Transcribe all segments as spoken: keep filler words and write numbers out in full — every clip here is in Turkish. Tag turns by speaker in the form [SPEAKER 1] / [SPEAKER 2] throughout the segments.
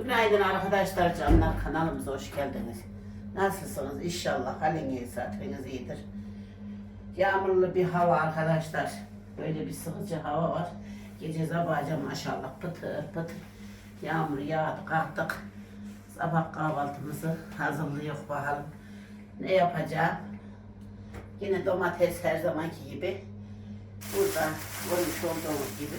[SPEAKER 1] Günaydın arkadaşlar, canlar, kanalımıza hoş geldiniz. Nasılsınız? İnşallah haliniz, hatırınız iyidir. Yağmurlu bir hava arkadaşlar. Böyle bir sıkıcı hava var. Gece sabahca maşallah pıtır pıtır yağmur yağdı, kalktık. Sabah kahvaltımızı hazırlıyor bakalım. Ne yapacağım? Yine domates her zamanki gibi. Burada görmüş olduğunuz gibi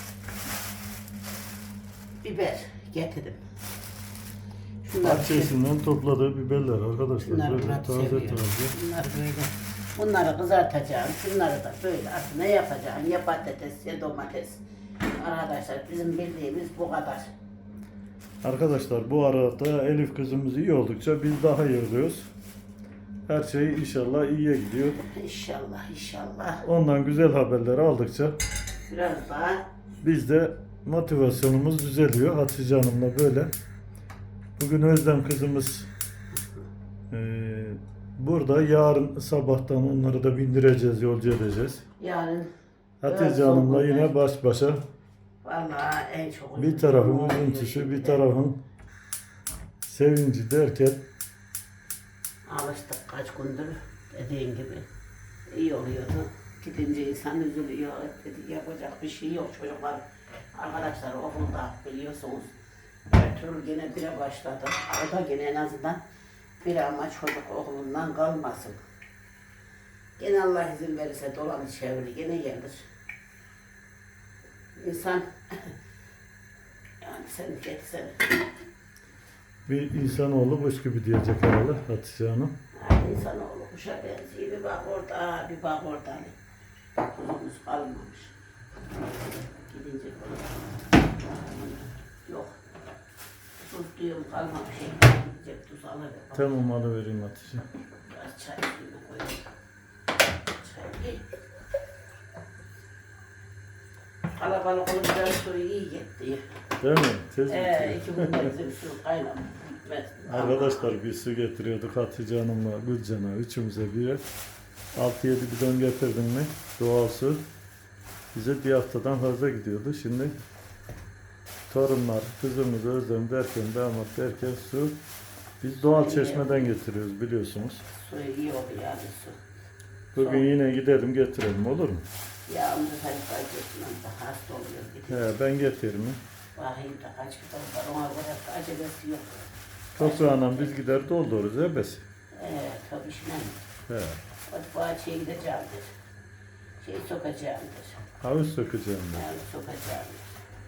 [SPEAKER 1] biber getirdim.
[SPEAKER 2] Bahçesinden topladığı biberler arkadaşlar.
[SPEAKER 1] Bunları
[SPEAKER 2] Böyle
[SPEAKER 1] Murat
[SPEAKER 2] taze
[SPEAKER 1] seviyor.
[SPEAKER 2] taze.
[SPEAKER 1] Bunları böyle, bunları kızartacağım. Şunları da böyle artık ne yapacağım? Ya patates ya domates. Arkadaşlar bizim bildiğimiz bu kadar.
[SPEAKER 2] Arkadaşlar bu arada Elif kızımız iyi oldukça biz daha iyi oluyoruz. Her şey inşallah iyiye gidiyor.
[SPEAKER 1] İnşallah inşallah.
[SPEAKER 2] Ondan güzel haberleri aldıkça
[SPEAKER 1] Biraz daha
[SPEAKER 2] biz de motivasyonumuz düzeliyor. Hatice Hanım'la böyle. Bugün Özlem kızımız eee, burada. Yarın sabahtan onları da bindireceğiz, yolcu edeceğiz.
[SPEAKER 1] yarın
[SPEAKER 2] Hatice
[SPEAKER 1] biraz
[SPEAKER 2] Hanım'la
[SPEAKER 1] soğuk
[SPEAKER 2] yine
[SPEAKER 1] olacak.
[SPEAKER 2] baş başa.
[SPEAKER 1] Vallahi en çok
[SPEAKER 2] Bir tarafın üzüntüsü, bir tarafın sevinci derken
[SPEAKER 1] alıştık kaç gündür dediğin gibi iyi oluyordu. Gidince insan üzülüyor. Dedi, yapacak bir şey yok çocuklar. Arkadaşlar okulda biliyorsunuz. Ertuğrul gene bire başladı. O da gene en azından bir ama çocuk okulundan kalmasın. Gene Allah izin verirse dolanı çeviri gene gelir. İnsan yani sen geçsen
[SPEAKER 2] bir insanoğlu boş gibi diyecek herhalde Hatice Hanım.
[SPEAKER 1] yani insanoğlu kuşa benziyor. Bir bak orada, bir bak orada. Tuzumuz kalmamış. Gidince yok. Tuz diyorum kalmamış. Gidecek tuz alır.
[SPEAKER 2] Tamam alıvereyim Hatice.
[SPEAKER 1] Biraz çay suyunu koyayım. Çay iyi. Kalabalık olunca suyu iyi gitti.
[SPEAKER 2] Değil mi? Tez
[SPEAKER 1] Ee,
[SPEAKER 2] bitiyor.
[SPEAKER 1] iki günde bizim su kaynamamış.
[SPEAKER 2] Arkadaşlar bir su getiriyorduk Hatice Hanım'la Gülcan'a üçümüze birer. altı yedi bidon getirdim mi doğal su bize bir haftadan fazla gidiyordu. Şimdi torunlar, kızımız Özlem derken, damat derken su biz doğal çeşmeden getiriyoruz biliyorsunuz.
[SPEAKER 1] Su iyi oldu yani su.
[SPEAKER 2] Bugün yine gidelim getirelim olur mu?
[SPEAKER 1] Yağmur harika geçmem de hasta oluyor. Gidip
[SPEAKER 2] He, ben getiririm.
[SPEAKER 1] bakayım da kaç kitap var ona göre acelesi yok.
[SPEAKER 2] Toprağına biz gider doldururuz ebesi.
[SPEAKER 1] Ee, tabii şimdi
[SPEAKER 2] He.
[SPEAKER 1] o bahçeye gideceğimdir. Şey sokacağımdır.
[SPEAKER 2] Havuz sökeceğim ben.
[SPEAKER 1] Yani sokacağımdır.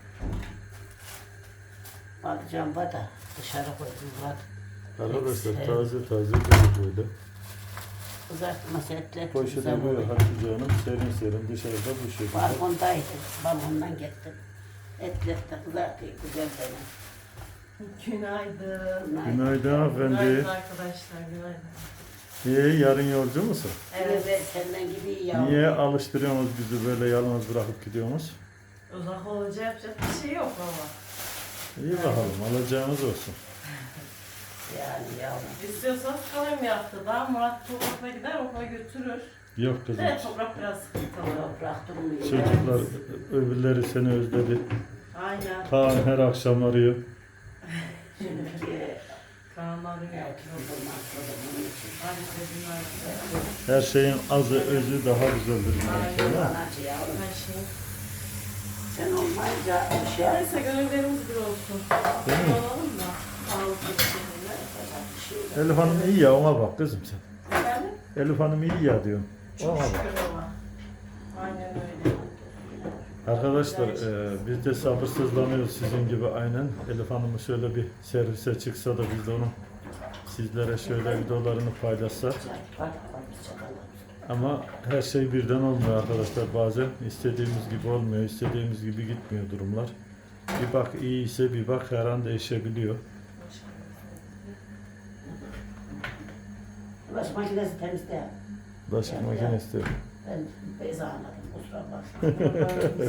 [SPEAKER 1] Bakacağım bada dışarı koydum bak.
[SPEAKER 2] Arkadaşlar
[SPEAKER 1] Evet.
[SPEAKER 2] taze taze böyle böyle.
[SPEAKER 1] Kızartması etler
[SPEAKER 2] Poşete
[SPEAKER 1] güzel
[SPEAKER 2] böyle
[SPEAKER 1] oluyor.
[SPEAKER 2] Hatice Hanım serin serin dışarıda bu şekilde.
[SPEAKER 1] Balkondaydı. Balkondan gittim. Etler de kızartıyor güzel benim.
[SPEAKER 3] Günaydın.
[SPEAKER 2] Günaydın hanımefendi.
[SPEAKER 3] Günaydın arkadaşlar, günaydın.
[SPEAKER 2] İyi, yarın yolcu musun?
[SPEAKER 1] Evet. Evet senden gibi ya.
[SPEAKER 2] Niye alıştırıyorsunuz bizi böyle yalnız bırakıp gidiyorsunuz?
[SPEAKER 3] Uzak olunca yapacak bir şey yok ama.
[SPEAKER 2] İyi bakalım, alacağınız olsun.
[SPEAKER 1] Yani yavrum.
[SPEAKER 3] İstiyorsanız kalayım haftada. Murat toprakla gider, okula götürür.
[SPEAKER 2] Yok kızım.
[SPEAKER 3] Evet, toprak biraz sıkıntılı.
[SPEAKER 1] Toprak durmuyor.
[SPEAKER 2] Çocuklar öbürleri seni özledi.
[SPEAKER 3] Aynen.
[SPEAKER 2] Kaan her akşam arıyor.
[SPEAKER 1] Şimdiki
[SPEAKER 3] Karanlarım yok.
[SPEAKER 1] evet, durmaz, durmaz için.
[SPEAKER 3] Hadi günaydın.
[SPEAKER 2] Her şeyin azı özü daha güzeldir.
[SPEAKER 3] Aynen.
[SPEAKER 2] Değil mi?
[SPEAKER 1] Anacı yavrum.
[SPEAKER 3] Her şey.
[SPEAKER 1] Sen olmayınca bir şey
[SPEAKER 3] Neyse gönüllerimiz bir olsun.
[SPEAKER 2] Değil mi?
[SPEAKER 3] Olalım da. Sağlıklı bir şekilde.
[SPEAKER 1] yapacak bir şey yok.
[SPEAKER 2] Elif Hanım iyi ya, ona bak kızım sen.
[SPEAKER 3] Efendim?
[SPEAKER 2] Elif Hanım iyi ya diyorum. Ona
[SPEAKER 3] Çok
[SPEAKER 2] bak.
[SPEAKER 3] şükür baba. Aynen öyle.
[SPEAKER 2] Arkadaşlar e, biz de sabırsızlanıyoruz sizin gibi aynen. Elif Hanım'ı şöyle bir servise çıksa da biz de onu sizlere şöyle videolarını paylaşsak.
[SPEAKER 1] Bak, bak, bir çakalım.
[SPEAKER 2] Ama her şey birden olmuyor arkadaşlar. Bazen istediğimiz gibi olmuyor, istediğimiz gibi gitmiyor durumlar. Bir bak iyi ise bir bak her an değişebiliyor.
[SPEAKER 1] Bulaşık makinesi temiz değil.
[SPEAKER 2] Bulaşık
[SPEAKER 1] Ya,
[SPEAKER 2] makinesi de.
[SPEAKER 1] Ben Beyza anladım. Kusura bakma.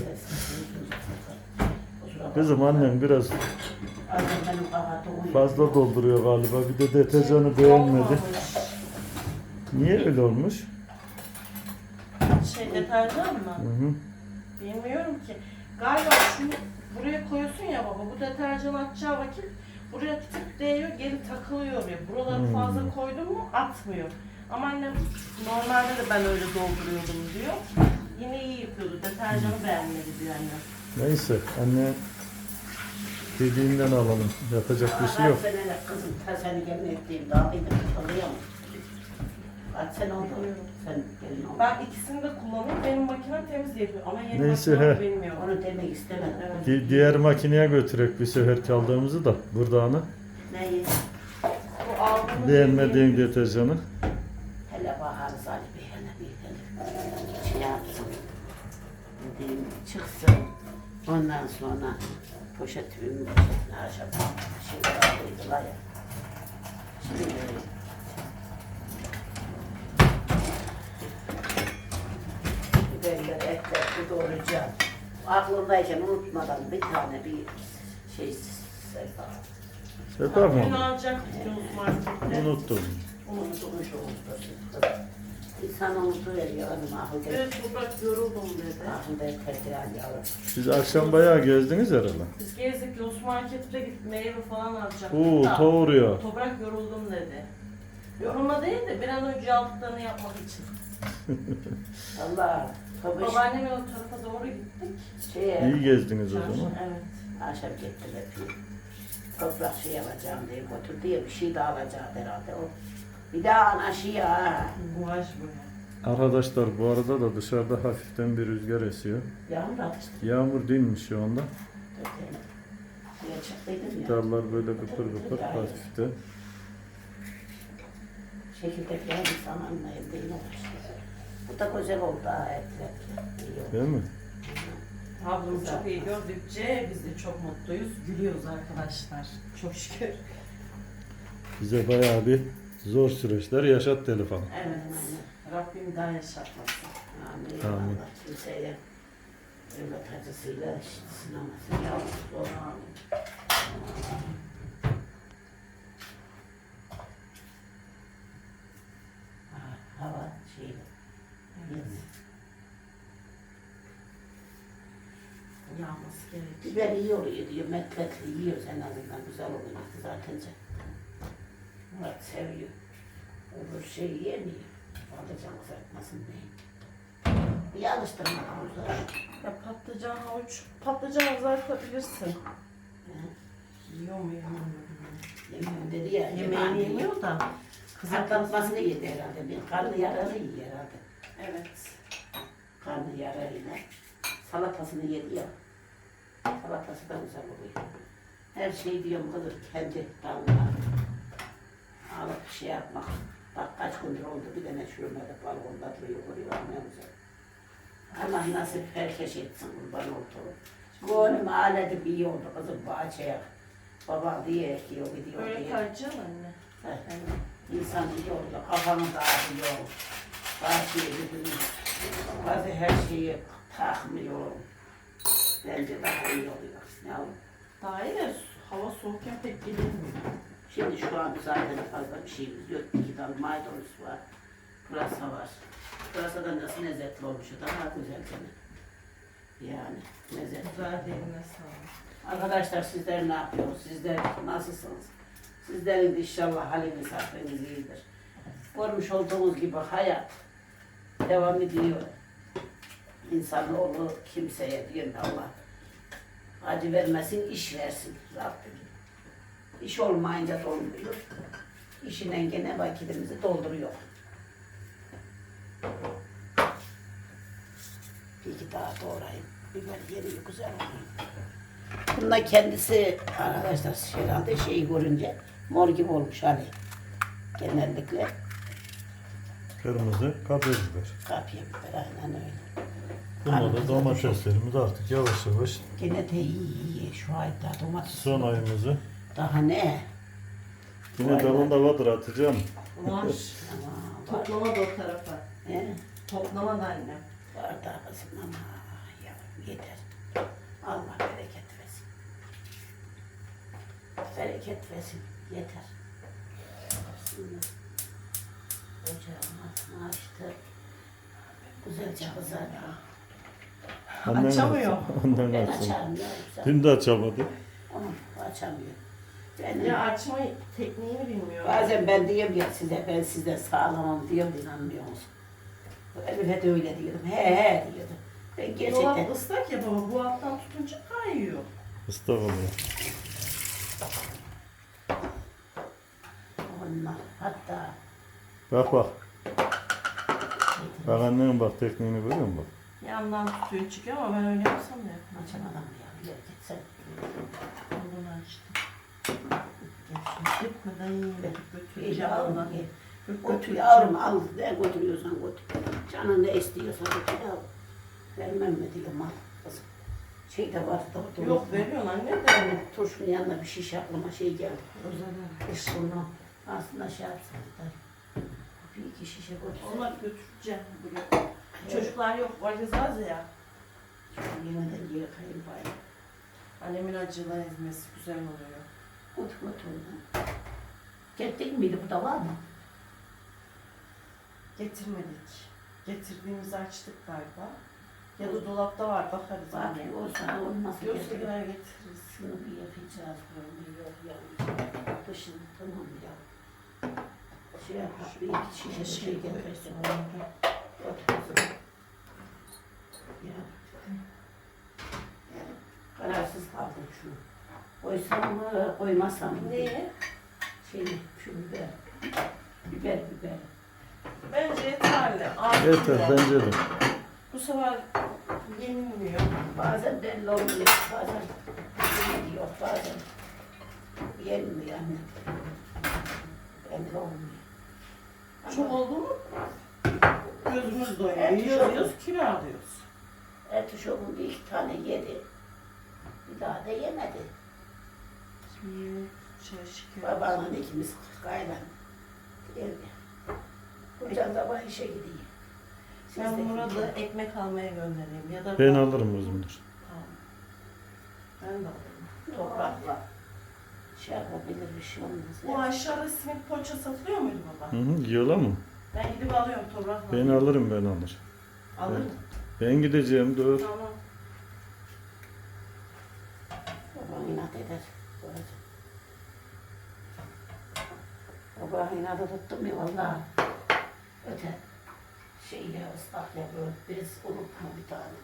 [SPEAKER 1] Kusura bakma.
[SPEAKER 2] Kızım annem biraz
[SPEAKER 1] Annem benim kabahatim uyuyor.
[SPEAKER 2] fazla dolduruyor galiba. Bir de deterjanı beğenmedi.
[SPEAKER 3] Olmamış.
[SPEAKER 2] Niye öyle olmuş?
[SPEAKER 3] Şey deterjan mı?
[SPEAKER 2] Hı hı.
[SPEAKER 3] Bilmiyorum ki. Galiba şunu buraya koyuyorsun ya baba. Bu deterjan atacağı vakit buraya tık değiyor, geri takılıyor ya. Buraları
[SPEAKER 2] Hmm.
[SPEAKER 3] fazla koydum mu atmıyor. Ama annem normalde de ben öyle dolduruyordum diyor. Yine iyi yapıyordu. Deterjanı beğenmedi diyor annem.
[SPEAKER 2] Neyse anne dediğinden alalım. Yapacak bir şey yok.
[SPEAKER 1] Kaç senelik kızım ta seni gelin ettiğim daha bir de kalıyor mu? Kaç sene oldu? Sen gelin oldun.
[SPEAKER 3] Ben ikisini de kullanıyorum. Benim makinem temiz yapıyor ama yeni
[SPEAKER 2] Neyse,
[SPEAKER 3] makinem
[SPEAKER 2] he.
[SPEAKER 3] bilmiyorum.
[SPEAKER 1] Onu demek istemedim.
[SPEAKER 3] Evet.
[SPEAKER 2] Di- diğer makineye götürek bir sefer kaldığımızı da burada ana.
[SPEAKER 1] Neyi?
[SPEAKER 3] Bu aldığımız
[SPEAKER 2] Beğenmediğin deterjanı.
[SPEAKER 1] Hele baharı Salih Bey hele bir hele. Şey yapsın. Dediğim çıksın. Ondan sonra poşet ürün poşetini aşağı şey koydular ya. Şimdi biberleri, etleri doğrayacağım. Aklımdayken unutmadan bir tane bir şey sayfa.
[SPEAKER 2] Sefer
[SPEAKER 3] Dün
[SPEAKER 2] mi?
[SPEAKER 3] alacaktık Yunus Market'te.
[SPEAKER 2] Unuttum.
[SPEAKER 1] Unutmuş oldu. İnsan unutuveriyor hanım ahıl değil.
[SPEAKER 3] Evet, toprak yoruldum dedi.
[SPEAKER 1] Ahıl değil tekrar yavrum.
[SPEAKER 2] Siz akşam bayağı gezdiniz herhalde.
[SPEAKER 3] Biz gezdik Yunus Market'te gidip meyve falan alacaktık
[SPEAKER 2] Oo
[SPEAKER 3] da.
[SPEAKER 2] doğruyor.
[SPEAKER 3] Toprak yoruldum dedi. Yorulma değil de bir an önce yaptıklarını yapmak için.
[SPEAKER 1] Allah tabii
[SPEAKER 3] Babaannemin o tarafa doğru gittik.
[SPEAKER 1] şeye
[SPEAKER 2] İyi gezdiniz o
[SPEAKER 3] Çarşı,
[SPEAKER 2] zaman.
[SPEAKER 3] evet.
[SPEAKER 1] akşam gittiler bir toprak şey alacağım diye götürdü ya bir şey daha alacağım herhalde o. Bir daha anaşıya ha.
[SPEAKER 3] Buğaç böyle.
[SPEAKER 2] Arkadaşlar bu arada da dışarıda hafiften bir rüzgar esiyor.
[SPEAKER 1] Yağmur atıştı.
[SPEAKER 2] Yağmur değilmiş şu anda.
[SPEAKER 1] Niye çıktıydım ya.
[SPEAKER 2] Dallar böyle kıpır kıpır hafifte.
[SPEAKER 1] Şekildeki bir samanla elde yine uğraştı. Bu da güzel oldu ha etler. İyi oldu.
[SPEAKER 2] Değil mi?
[SPEAKER 3] Ablamı çok iyi gördükçe biz de çok mutluyuz. Gülüyoruz arkadaşlar. Çok şükür.
[SPEAKER 2] Bize bayağı bir zor süreçler yaşat telefon.
[SPEAKER 3] Evet. Rabbim daha yaşatmasın.
[SPEAKER 1] Amin.
[SPEAKER 2] Amin.
[SPEAKER 1] Allah kimseye evlat acısıyla sınamasın. Yalnız zor. Ha, hava şeyi. Evet.
[SPEAKER 3] Yağması gerekiyor.
[SPEAKER 1] Biber iyi oluyor diyor. Metletli yiyoruz en azından. Güzel oluyor kızartınca. Murat seviyor. Öbür şey yemiyor. Patlıcan kızartmasın diye. Bir alıştırmadan uzar.
[SPEAKER 3] Ya patlıcan, havuç, patlıcan kızartabilirsin. Yiyor mu yemiyor mu?
[SPEAKER 1] Yemiyorum dedi ya.
[SPEAKER 3] Yemeğini yemiyor da.
[SPEAKER 1] Kızartmasını yedi herhalde. Bir karnı yararı yiyor herhalde.
[SPEAKER 3] Evet.
[SPEAKER 1] Karnı yararıyla. Salatasını yedi ya. Salatası da güzel oluyor. Her şey diyorum kızım kendi dalına alıp şey yapmak. Bak kaç gündür oldu bir tane çürümede balkonda duruyor. Oraya ne güzel. Allah nasip herkes etsin kurban olduğum. Gönlüm aledim iyi oldu kızım bahçeye. Baba diye ekiyor gidiyor
[SPEAKER 3] Böyle
[SPEAKER 1] diye.
[SPEAKER 3] karacaksın anne.
[SPEAKER 1] Heh. İnsan iyi oldu, kafanı dağıtıyor. Bahçeye gidiyor. Bazı her şeyi takmıyor. Bence daha iyi oluyor. Ne olur?
[SPEAKER 3] Daha iyi de hava soğukken pek gidilmiyor.
[SPEAKER 1] Şimdi şu an zaten fazla bir şeyimiz yok. İki tane maydanoz var. Pırasa var. Pırasa da nasıl lezzetli olmuş. Daha güzel gene. Yani lezzetli.
[SPEAKER 3] Güzel derine sağlık.
[SPEAKER 1] Arkadaşlar sizler ne yapıyorsunuz? Sizler nasılsınız? Sizlerin de inşallah haliniz hatırınız iyidir. Görmüş olduğunuz gibi hayat devam ediyor. İnsanoğlu kimseye diyor Allah acı vermesin, iş versin Rabbim. İş olmayınca dolmuyor. İşinden gene vakitimizi dolduruyor. Bir iki daha doğrayayım. Biber yeri güzel oluyor. Bununla kendisi arkadaşlar herhalde şeyi görünce mor gibi olmuş hani. Genellikle
[SPEAKER 2] Kırmızı kapya biber.
[SPEAKER 1] kapya biber aynen öyle.
[SPEAKER 2] Bunda da domateslerimiz artık yavaş yavaş
[SPEAKER 1] Gene de iyi iyi şu ayda domates.
[SPEAKER 2] son ayımızı.
[SPEAKER 1] Daha ne?
[SPEAKER 2] Yine dalında vardır atacağım.
[SPEAKER 3] Var.
[SPEAKER 1] Aman, var.
[SPEAKER 3] Toplama da o tarafa.
[SPEAKER 1] He?
[SPEAKER 3] Toplama da annem.
[SPEAKER 1] Var da kızım ama yavrum yeter. Allah bereket versin. Bereket versin. Yeter. Şimdi ocağın altını açtı. Güzelce kızardı.
[SPEAKER 3] Açamıyor.
[SPEAKER 2] Ondan
[SPEAKER 1] Ben
[SPEAKER 2] açsın.
[SPEAKER 1] açarım ya.
[SPEAKER 2] Dün de açamadı.
[SPEAKER 1] Onu açamıyor. Ben,
[SPEAKER 3] Ya açma tekniğini bilmiyorum.
[SPEAKER 1] bazen ben diyorum ya size, ben sizden sağlamam diyorum, inanmıyor musun? Elif'e de öyle diyordum, he he diyordum. Ben gerçekten...
[SPEAKER 3] Dolap ıslak ya baba, bu alttan tutunca kayıyor.
[SPEAKER 2] Islak oluyor.
[SPEAKER 1] Onlar hatta...
[SPEAKER 2] Bak bak. Bak annenin bak tekniğini görüyor musun bak.
[SPEAKER 3] Yandan tutuyor çıkıyor ama ben öyle yapsam da yapmam.
[SPEAKER 1] Açamadım ya, gel git sen.
[SPEAKER 3] Onu açtım. Gitmeden yine
[SPEAKER 1] Gel
[SPEAKER 3] götüreceğim
[SPEAKER 1] yavrum
[SPEAKER 3] ondan.
[SPEAKER 1] gel.
[SPEAKER 3] Götür
[SPEAKER 1] Götür yavrum al, ne götürüyorsan götür. Canın ne istiyorsa götür yavrum. Vermem mi diyorum al kızım. Şey de var da orada.
[SPEAKER 3] Yok veriyorsun anne de.
[SPEAKER 1] Yani turşunun yanına bir şiş aklıma şey geldi.
[SPEAKER 3] Özel
[SPEAKER 1] Kış bunu aslında şey yapsın da. Bir iki şişe götür.
[SPEAKER 3] Onlar götüreceğim buraya. Çocuklar yok, valiz az ya.
[SPEAKER 1] Yemeden geri kayın bari.
[SPEAKER 3] Annemin acılı ezmesi güzel oluyor.
[SPEAKER 1] Götür götür oradan. Gittik miydi, bu da var mı?
[SPEAKER 3] Getirmedik. Getirdiğimizi açtık galiba. Ya da dolapta var, bakarız
[SPEAKER 1] Bak
[SPEAKER 3] anne.
[SPEAKER 1] olsa olmaz.
[SPEAKER 3] Yoksa gider getiririz.
[SPEAKER 1] Şunu bir yapacağız böyle, yok ya. Dışını tamam ya. Şey yap, bir iki şişe şey getirsin. Otur. Ya. Kararsız kaldım şunu. Koysam mı, koymasam mı?
[SPEAKER 3] Neyi?
[SPEAKER 1] Şey, şu biber. Biber, biber.
[SPEAKER 3] Bence yeterli.
[SPEAKER 2] Yeter
[SPEAKER 3] Artıyor.
[SPEAKER 2] bence de.
[SPEAKER 3] Bu sefer yenilmiyor.
[SPEAKER 1] Bazen belli olmuyor, bazen yeniliyor, bazen yenmiyor anne. Belli olmuyor.
[SPEAKER 3] Çok oldu mu? Gözümüz doyuyor.
[SPEAKER 1] Evet,
[SPEAKER 3] Yiyoruz, kilo alıyoruz.
[SPEAKER 1] Ertuşok'un bir iki tane yedi. Bir daha da yemedi.
[SPEAKER 3] Şimdi şey şeker.
[SPEAKER 1] Babamla ikimiz kaynan. Evde. Hocam sabah işe gidiyor. Siz
[SPEAKER 3] Ben
[SPEAKER 1] de
[SPEAKER 3] Murat'ı
[SPEAKER 1] gidin.
[SPEAKER 3] ekmek almaya göndereyim ya da
[SPEAKER 2] Ben alırım kızımdır.
[SPEAKER 3] Tamam. Ben de alırım.
[SPEAKER 1] Toprakla şey yapabilir, bir şey olmaz.
[SPEAKER 3] Bu aşağıda simit poğaça satılıyor muydu baba?
[SPEAKER 2] Hı hı, yiyorlar mı?
[SPEAKER 3] Ben gidip alıyorum toprakla.
[SPEAKER 2] Ben alırım ben alır.
[SPEAKER 3] Alır mı?
[SPEAKER 2] Ben gideceğim dur.
[SPEAKER 3] Tamam.
[SPEAKER 1] Babam inat eder. Böyle. Babam inadı tuttum ya vallahi. Öte şey ya ıslak ya böyle biz unutma bir tane.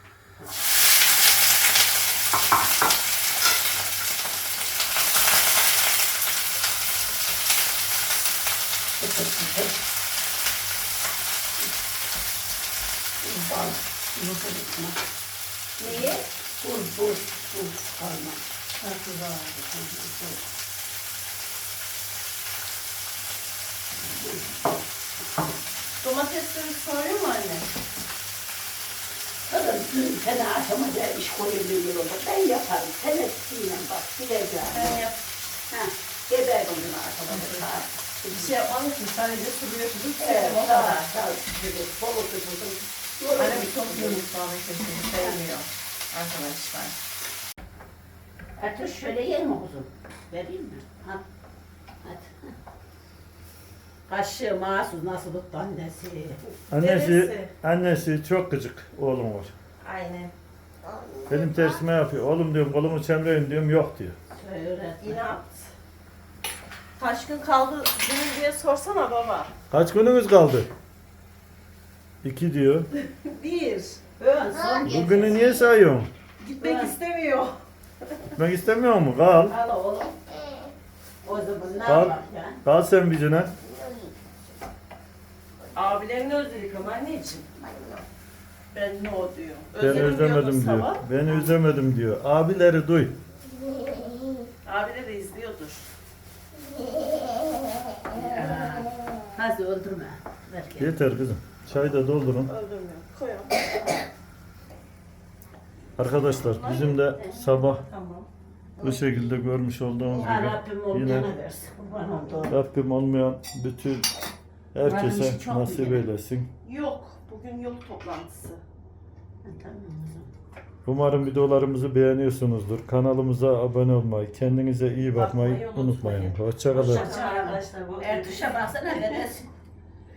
[SPEAKER 1] Bal, yumurta tutma.
[SPEAKER 3] Neyi?
[SPEAKER 1] Buz, buz, buz kalma.
[SPEAKER 3] Tatlı var. Domatesleri soruyor mu anne?
[SPEAKER 1] Kadın dün sene aşamaca iş koyabiliyor olur. Ben yaparım. Sen etsinle bak, bileceğim.
[SPEAKER 3] Ben yap.
[SPEAKER 1] Ha, geberdim dün aşamaca.
[SPEAKER 3] Bir şey yapmadım ki sadece suluyorsunuz.
[SPEAKER 1] Evet,
[SPEAKER 3] o
[SPEAKER 1] daha,
[SPEAKER 3] kadar.
[SPEAKER 1] daha sıkıntı, bolu sıkıntı.
[SPEAKER 3] Anne bir çok yumurtlağı kesini sevmiyor arkadaşlar.
[SPEAKER 1] Ertuğ şöyle yer mi kuzum? Vereyim mi? Ha. Hadi. Kaşığı mahsus nasıl tuttu annesi?
[SPEAKER 2] Annesi,
[SPEAKER 3] Neresi?
[SPEAKER 2] annesi çok gıcık oğlum var.
[SPEAKER 3] Aynen.
[SPEAKER 2] Benim tersime yapıyor. Oğlum diyorum kolumu çemreyin diyorum yok diyor.
[SPEAKER 1] Öğretmen.
[SPEAKER 3] İnat. Kaç gün kaldı günün diye sorsana baba.
[SPEAKER 2] Kaç günümüz kaldı? İki diyor.
[SPEAKER 3] Bir.
[SPEAKER 1] Ön son getir.
[SPEAKER 2] Bugünü niye sayıyorsun?
[SPEAKER 3] Gitmek
[SPEAKER 1] Ben-
[SPEAKER 3] istemiyor.
[SPEAKER 2] Gitmek istemiyor mu? Kal.
[SPEAKER 1] Al oğlum. O zaman ne
[SPEAKER 2] Al.
[SPEAKER 1] yapar ya?
[SPEAKER 2] Kal sen bizine.
[SPEAKER 3] Abilerini özledik ama anneciğim. Ben ne o diyor.
[SPEAKER 2] Ben
[SPEAKER 3] Özledim
[SPEAKER 2] özlemedim
[SPEAKER 3] diyordun
[SPEAKER 2] diyor.
[SPEAKER 3] sabah.
[SPEAKER 2] Ben özlemedim diyor. Abileri duy.
[SPEAKER 3] Abileri de izliyordur.
[SPEAKER 1] Ya. Hadi öldürme. Ver gel.
[SPEAKER 2] Yeter kızım. Çayı da doldurun.
[SPEAKER 3] Öldürmüyor. Koyalım.
[SPEAKER 2] Arkadaşlar bizim de sabah
[SPEAKER 3] Tamam.
[SPEAKER 2] bu şekilde görmüş olduğunuz
[SPEAKER 1] Ya
[SPEAKER 2] gibi
[SPEAKER 1] Rabbim
[SPEAKER 2] yine
[SPEAKER 1] olmayana versin. Kurban oldu.
[SPEAKER 2] Rabbim olmayan bütün herkese
[SPEAKER 1] işi çok
[SPEAKER 2] nasip
[SPEAKER 1] güzel.
[SPEAKER 2] eylesin.
[SPEAKER 3] Yok. Bugün yok toplantısı.
[SPEAKER 1] Tamam kızım.
[SPEAKER 2] Umarım videolarımızı beğeniyorsunuzdur. Kanalımıza abone olmayı, kendinize iyi bakmayı
[SPEAKER 3] Bakmayı unutmayın.
[SPEAKER 2] unutmayın. Hoşçakalın.
[SPEAKER 3] Hoşça kalın arkadaşlar. Bu
[SPEAKER 1] Ertuş'a baksana veresin.